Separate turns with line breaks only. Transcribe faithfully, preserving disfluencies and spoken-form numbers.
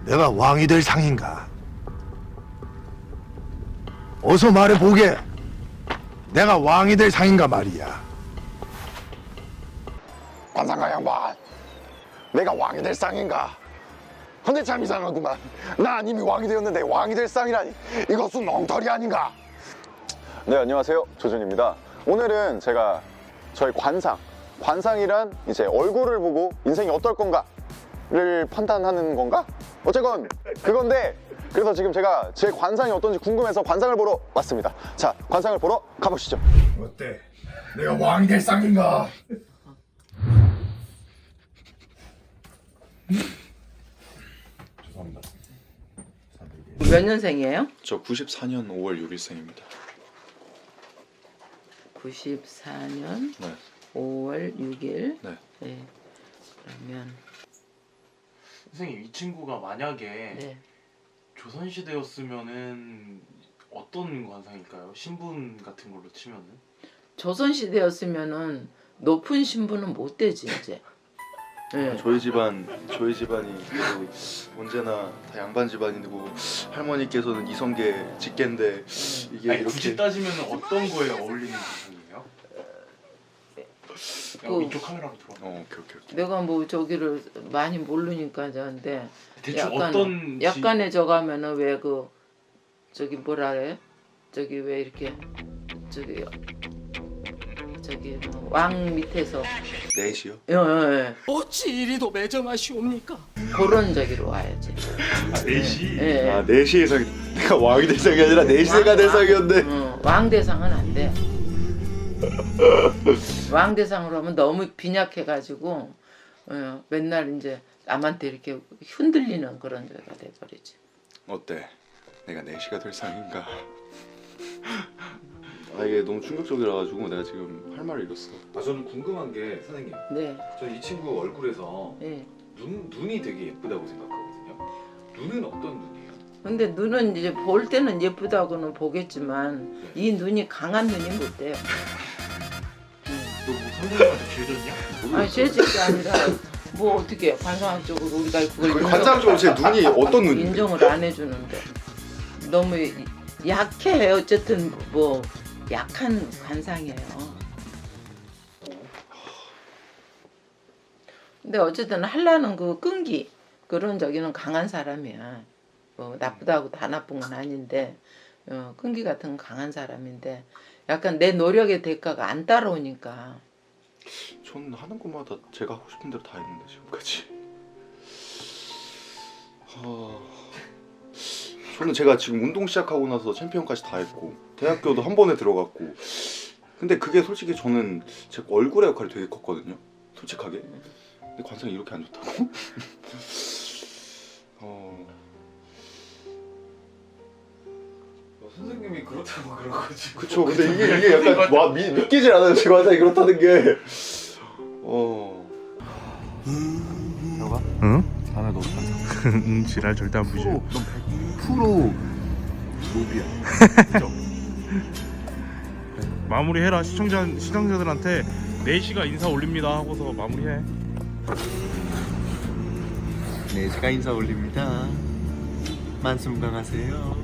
내가 왕이 될 상인가? 어서 말해보게. 내가 왕이 될 상인가 말이야.
관상가 양반, 내가 왕이 될 상인가? 근데 참 이상하구만. 난 이미 왕이 되었는데 왕이 될 상이라니, 이것은 엉터리 아닌가? 네, 안녕하세요, 조준입니다. 오늘은 제가 저희 관상, 관상이란 이제 얼굴을 보고 인생이 어떨 건가를 판단하는 건가? 어쨌건 그건데, 그래서 지금 제가 제 관상이 어떤지 궁금해서 관상을 보러 왔습니다. 자, 관상을 보러 가보시죠.
어때? 내가 왕이 될 상인가? 죄송합니다.
몇 년생이에요?
저 구십사 년 오월 육 일생입니다.
구십사 년
네.
오월 육 일.
네.
네. 그러면
선생님, 이 친구가 만약에
네.
조선시대였으면은 어떤 관상일까요? 신분 같은 걸로 치면은?
조선 시대였으면은 높은 신분은 못 되지 이제. 네.
저희 집안 저희 집안이 그래도 언제나 다 양반 집안이고 할머니께서는 이성계 직계인데 이게
아니,
이렇게
굳이 따지면 어떤 거에 어울리는 관상이에요?
그-
이쪽 카메라로 들어.
어 오케이 오케이 오케이.
내가 뭐 저기를 많이 모르니까 저한테
대충
약간
어떤 지-
약간의 저가면은 왜 그 저기 뭐라 그래? 저기 왜 이렇게 저기 저기 뭐왕 밑에서
넷이요?
예, 예, 예.
어찌 이리도 매정하시옵니까?
그런 저기로 와야지.
넷이?
예, 예.
아 넷이 상 내가 왕이 될 상이 아니라 넷이가 될 상이었네.
어, 왕 대상은 안 돼. 왕 대상으로 하면 너무 빈약해가지고 어, 맨날 이제 남한테 이렇게 흔들리는 그런 데가 돼버리지.
어때? 내가 넷이가 될 상인가? 아 이게 너무 충격적이라 가지고 내가 지금 할 말을 잃었어.
아 저는 궁금한 게 선생님,
네,
저는 이 친구 얼굴에서
네.
눈 눈이 되게 예쁘다고 생각하거든요. 눈은 어떤 눈이에요?
근데 눈은 이제 볼 때는 예쁘다고는 보겠지만 이 눈이 강한 눈이 못 돼요.
너뭐 선생님한테 죄졌냐?
아니 죄짓게 아니라 뭐 어떻게 관상학적으로 우리가 그걸
관상적으로 제 눈이 어떤 눈인데?
인정을 안 해주는데 너무 약해. 어쨌든 뭐 약한 관상이에요. 근데 어쨌든 하려는 그 끈기 그런 저기는 강한 사람이야. 뭐 나쁘다고 다 나쁜 건 아닌데 어, 끈기 같은 건 강한 사람인데 약간 내 노력의 대가가 안 따라오니까.
전 하는 것마다 제가 하고 싶은 대로 다 했는데 지금까지. 하... 저는 제가 지금 운동 시작하고 나서 챔피언까지 다 했고 대학교도 한 번에 들어갔고 근데 그게 솔직히 저는 제 얼굴의 역할이 되게 컸거든요. 솔직하게. 근데 관상이 이렇게 안 좋다고? 어...
어, 선생님이 그렇다고 그런 거지.
그쵸. 근데 이게 이게 약간 와, 미, 믿기질 않아요. 제 관상이 그렇다는 게. 어...
너가?
응?
다음에 너 관상.
응, 지랄 절대 안 부셔.
너 백 퍼센트 노비야.
마무리해라. 시청자 시청자들한테 네 시가 인사 올립니다 하고서 마무리해.
네, 제가 인사 올립니다. 만수무강하세요.